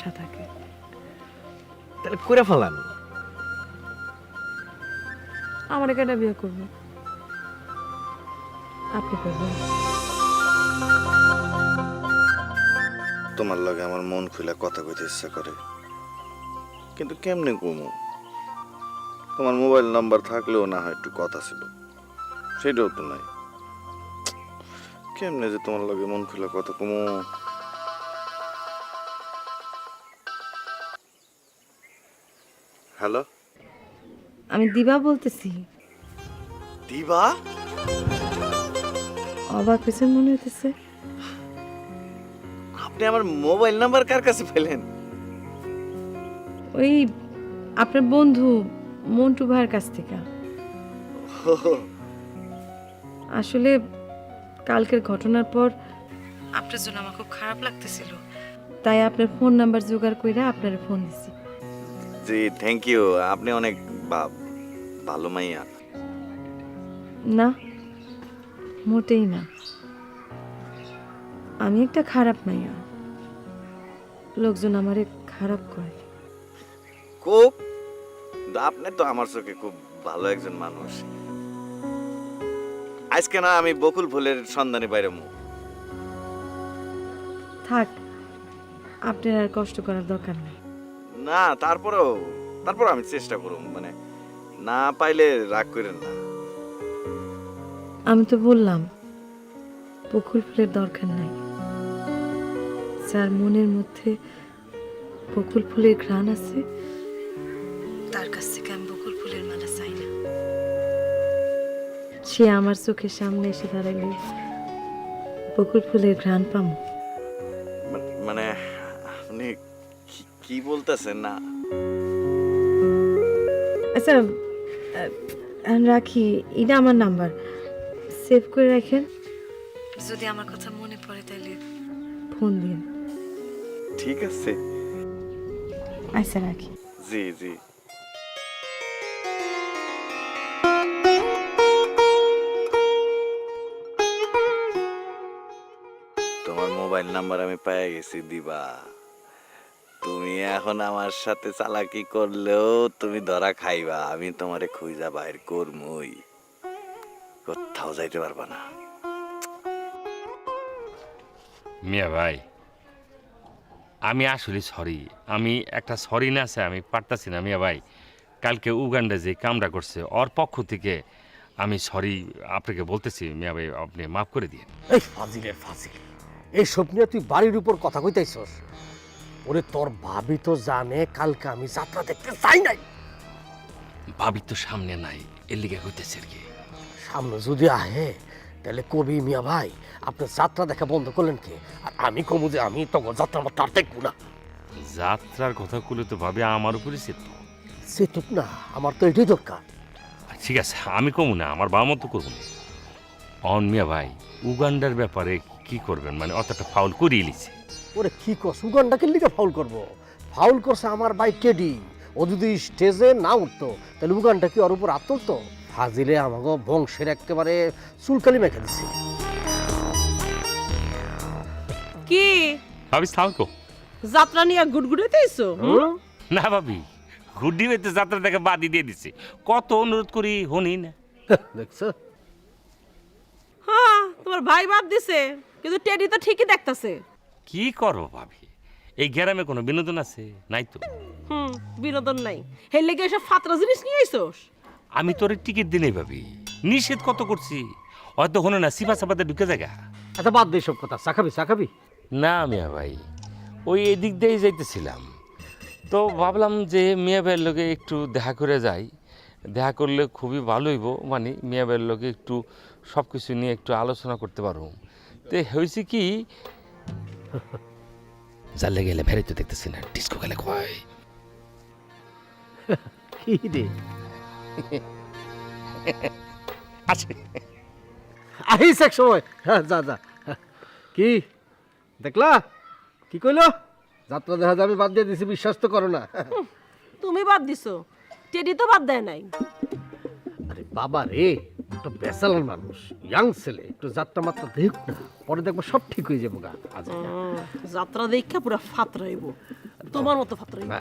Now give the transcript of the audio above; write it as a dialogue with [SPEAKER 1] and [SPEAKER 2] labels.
[SPEAKER 1] আশা থাকে।
[SPEAKER 2] তাহলে করে ফেলান।
[SPEAKER 1] আমার কেটা বিয়ে করবো? আপনি করবেন?
[SPEAKER 3] তোমার লগে আমার মন খুলে কথা কইতে ইচ্ছা করে, কিন্তু কেমনে কমু? তোমার মোবাইল নাম্বার থাকলেও না হয় একটু কথা ছিল, সেটাও তো নাই। কেমনে যে তোমার লগে মন খুলে কথা কমু? হ্যালো,
[SPEAKER 1] আমি দিবা বলতেছি।
[SPEAKER 3] দিবা?
[SPEAKER 1] অবাক হয়েছে মনে হইতেছে।
[SPEAKER 2] আপনি আমার মোবাইল নাম্বার কার কাছে পেলেন?
[SPEAKER 1] ওই আপনার বন্ধু মন্টু ভাইয়ের কাছ থেকে। আসলে কালকের ঘটনার পর আপনার জন্য আমার খুব খারাপ লাগতেছিল, তাই আপনার ফোন নাম্বার জোগাড় কইরা আপনার ফোন দিছি।
[SPEAKER 2] জি থ্যাংক ইউ, আপনি অনেক ভালো মাইয়া।
[SPEAKER 1] না, মোটেই না। আমি একটা খারাপ মাইয়া, লোকজন আমারে খারাপ কয়।
[SPEAKER 2] খুব, আপনি তো আমার চোখে খুব ভালো একজন মানুষ। আজকে না আমি বকুল ফুলের সন্ধানে বাইরে মু।
[SPEAKER 1] থাক, আপনার আর কষ্ট করার দরকার নেই।
[SPEAKER 2] না তারপর আমি চেষ্টা করব, মানে না পাইলে রাগ করেন না।
[SPEAKER 1] আমি তো বললাম বকুল ফুলের দরকার নাই। যার মনের মধ্যে বকুল ফুলের ঘ্রাণ আছে, তার কাছ থেকে আমি বকুল ফুলের মালা চাই না। সে আমার চোখের সামনে এসে দাঁড়াইলে বকুল ফুলের ঘ্রাণ পামো।
[SPEAKER 2] মানে আপনি কি বলতেছেন? না
[SPEAKER 1] আচ্ছা, রাখি। এটা আমার নাম্বার, সেভ করে রাখেন। যদি আমার কথা মনে পড়ে তাহলে ফোন দিন।
[SPEAKER 2] ঠিক আছে।
[SPEAKER 1] আচ্ছা, রাখি।
[SPEAKER 2] জি জি। তোমার মোবাইল নাম্বার আমি পেয়ে গেছি দিবা। তুমি এখন আমার সাথে চালাকি করলেও তুমি ধরা খাইবা। আমি তোমারে খুঁজা বাইর করমই, কোথাও যাইতে পারবা না।
[SPEAKER 4] মিয়া ভাই, আমি আসলে সরি। আমি একটা সরি না আছে, আমি পারতাছি না মিয়া ভাই। কালকে উগান্ডা যে কামটা করছে ওর পক্ষ থেকে আমি সরি আপনাকে বলতেছি মিয়া ভাই, আপনি মাফ করে দিন।
[SPEAKER 5] এই ফাজিলের ফাজিল, এই সব নিয়ে তুই বাড়ির উপর কথা কইতাইছস? ওরে তোর ভাবি তো জানে কালকে আমি যাত্রা দেখতে চাই নাই।
[SPEAKER 4] ভাবি তো সামনে নাই, এর লিগে হইতেছে আর কি।
[SPEAKER 5] সামনে যদি আহে তাহলে কবি মিয়া ভাই আপনি যাত্রা দেখা বন্ধ করলেন কে? আর আমি কমু যে আমি তখন যাত্রা আমার তার দেখবো না।
[SPEAKER 4] যাত্রার কথা কুলে তো ভাবি আমার উপরে চিত্ত।
[SPEAKER 5] সে তো না, আমার তো এটাই দরকার।
[SPEAKER 4] ঠিক আছে, আমি কমু না, আমার বাবা মতো করবো না। অন মিয়া ভাই, উগান্ডার ব্যাপারে কি করবেন? মানে অতটা ফাউল করিয়ে লিছে।
[SPEAKER 5] ওরে কি কর, সুগন্ধাকে লিগে ফাউল করবো? ফাউল করছে আমার ভাই টেডি। ও যদি স্টেজে না উঠতো তাহলে উগানটা কি ওর উপর আত্মতো? ফাজিলে আমাকে বংশের একেবারে চুলকালি মেখে দিছে।
[SPEAKER 6] কি
[SPEAKER 4] ভাবি থাকো
[SPEAKER 6] যাত্রা নিয়ে গুড়গুড়াইতেছো?
[SPEAKER 4] না ভাবি, গুড্ডি হইতে যাত্রা থেকে বাদি দিয়ে দিছে। কত অনুরোধ করি হনি না।
[SPEAKER 5] দেখছো?
[SPEAKER 6] হ্যাঁ, তোমার ভাই বাদ দিছে, কিন্তু টেডি তো ঠিকই দেখতাছে।
[SPEAKER 4] কি করবো ভাবি, এই গ্রামে কোনো বিনোদন আছে? নাই তো।
[SPEAKER 6] বিনোদন নাই, হের লেগে এসব ফাতরা জিনিস নিয়ে আইছোস?
[SPEAKER 4] আমি তোর টিকিট দিনেই ভাবি, নিষেধ কত করছি। হয়তো হনো না সিপা সাপাতে ঢুকে জায়গা।
[SPEAKER 5] আচ্ছা বাদ দে সব কথা, চাকাবি চাকাবি।
[SPEAKER 4] না মিয়া ভাই, ওই এদিক দিয়েই যাইতেছিলাম, তো ভাবলাম যে মিয়া ভাইয়ের লোকে একটু দেখা করে যাই। দেখা করলে খুবই ভালো হইব, মানে মিয়া ভাইয়ের লোকে একটু সব কিছু নিয়ে একটু আলোচনা করতে পারবো। তো হয়েছে কি, জানলে গেলে ভেরে তো দেখতেছি না, ডিস্কো গেলে কয়
[SPEAKER 5] কি রে
[SPEAKER 4] আছে
[SPEAKER 5] আহিস এক সময়। হ্যাঁ যা যা। কি দেখলা কি কইলো? যাত্রা দেখা যাবে বাদ দিয়ে দিছি, বিশ্বাস তো করো না।
[SPEAKER 6] তুমি বাদ দিছো, টেডি তো বাদ দেয় নাই।
[SPEAKER 5] আরে বাবা রে, একটা বেসালার মানুষ, ইয়াং ছেলে, একটু যাত্রা মাত্রা দেখ না, পরে দেখবো সব ঠিক হয়ে যাবো গা। আজ
[SPEAKER 6] যাত্রা দেখা পুরো ফাতরাইব। তোমার মতো ফাত্রই